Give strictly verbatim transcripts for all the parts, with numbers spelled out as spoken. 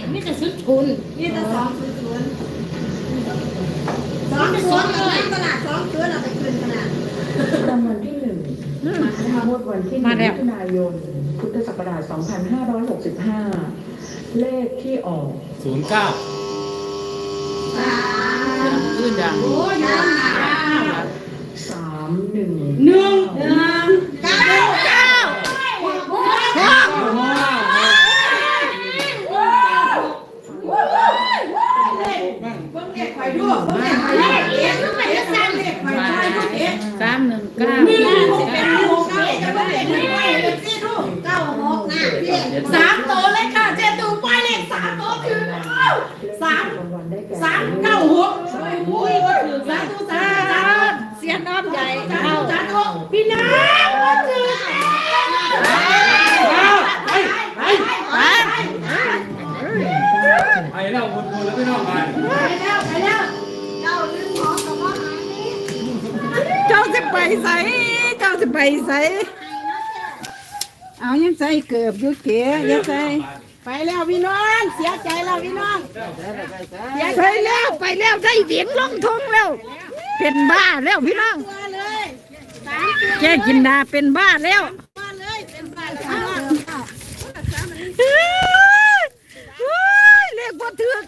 ไม่จะซื้อทุนนี่จะสองศูนย์ศูนย์สองศูนย์เลยตลาดสองศูนย์เราไปคืนขนาดรางวัลที่หนึ่งนะคะงวดวันที่หนึ่งมิถุนายนพุทธศักราชสองพันห้าร้อยหกสิบห้าเลขที่ออกศูนย์เก้าขึ้นยังโอ้ยยังสามหนึ่งหนึ่งหนึ่งเก้าเก้าสามหนึ่งเก้าสามโตเลยค่ะเจ๊ตูไปเลขสามโตคือสามสามเก้าหกโอ้ยก็ถือสาธุสาธุเสียน้ำใหญ่เข้าสาธุพี่น้ำก็ถือไปไปไปไปแล้วคนคนแล้วไม่ต้องไปไปแล้วไปแล้วเจ้าลืมของกับว่าหายนี่เจ้าจะไปใส่เจ้าจะไปใส่เอายังใส่เกือบยุเก๋ยังใส่ไปแล้วพี่น้องเสียใจแล้วพี่น้องไปแล้วไปแล้วได้เสียงลงทงแล้วเป็นบ้าแล้วพี่น้องแกกินดาเป็นบ้าแล้วเรียกว่าถึก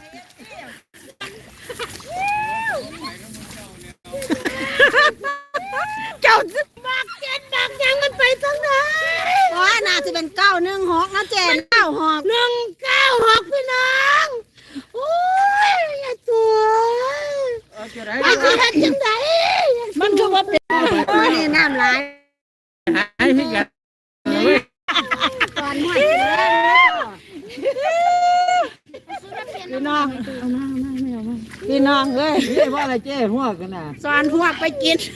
เจ้าจะบักเจ็ดบักยังมันไปทางไหนว่าน่าจะเป็นเก้าหนึ่งหกนะเจนเก้าหกหนึ่งเก้าหกพี่น้องโอ้ยอย่าตัวมันคือเห็นจังไดมันคือว่าเป็นมันนี่น้ำลายหายพี่กันตอนหัวพี่น้องพี่น้องเอ้ยเจ๊ว่าอะไรเจ๊หัวกันน่ะสอนพวกไปกิน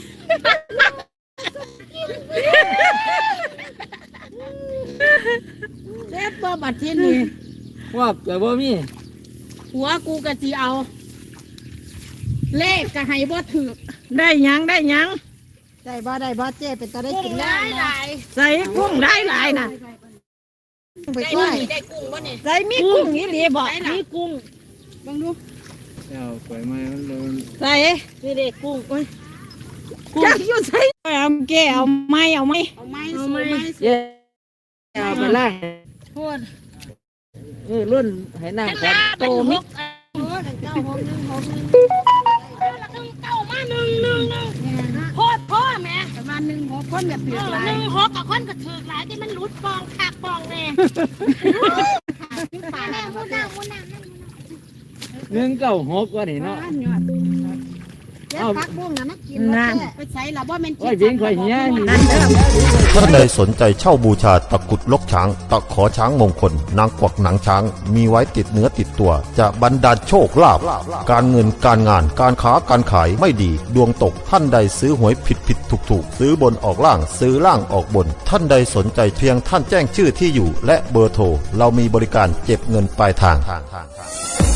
เล็บบ่บัดที่นี่ว่าแต่ว่ามีหัวกูกะจีเอาเลขกะให้บ่ถือได้ยังได้ยังได้บ่ได้บ่เจ๊เป็นตาได้กินแล้วใส่กุ้งได้หลายน่ะไปช่วยได้กุ้งบ่เนี่ยใส่มีกุ้งนี่หลีบ่มีกุ้งบังดูเอาปล่อยไม้มันโดนใส่นี่เด็กกุ้งโอ้ยจักอยู่ใส่เอาแกเอาไม้เอาไม้เอาไม้เอาไม้เย้เอาไปล่างโทษเออรุ่นให้นั่งก่อนโตมิกเออเก้าหกหนึ่งหกหนึ่งเก้ามาหนึ่งหนึ่งหนึ่งโคตรพ่อแม่ประมาณหนึ่งหกคนแบบเปลี่ยนหนึ่งหกกับคนก็ถือหลายที่มันรุดปองขาดปองแน่หนึ่งเก้าหกว่านี่เนาะเอาพักบุ้งนะมากินนั่นไปใส่ละว่ามันกินวิ่งไปเหี้ยนั่นเด้อท่านใดสนใจเช่าบูชาตะกุดลกช้างตะขอช้างมงคลนางกวักหนังช้างมีไว้ติดเนื้อติดตัวจะบรรดาลโชคลาภการเงินการงานการค้าการขายไม่ดีดวงตกท่านใดซื้อหวยผิดผิดถูกถูกซื้อบนออกล่างซื้อล่างออกบนท่านใดสนใจเพียงท่านแจ้งชื่อที่อยู่และเบอร์โทรเรามีบริการเก็บเงินปลายทาง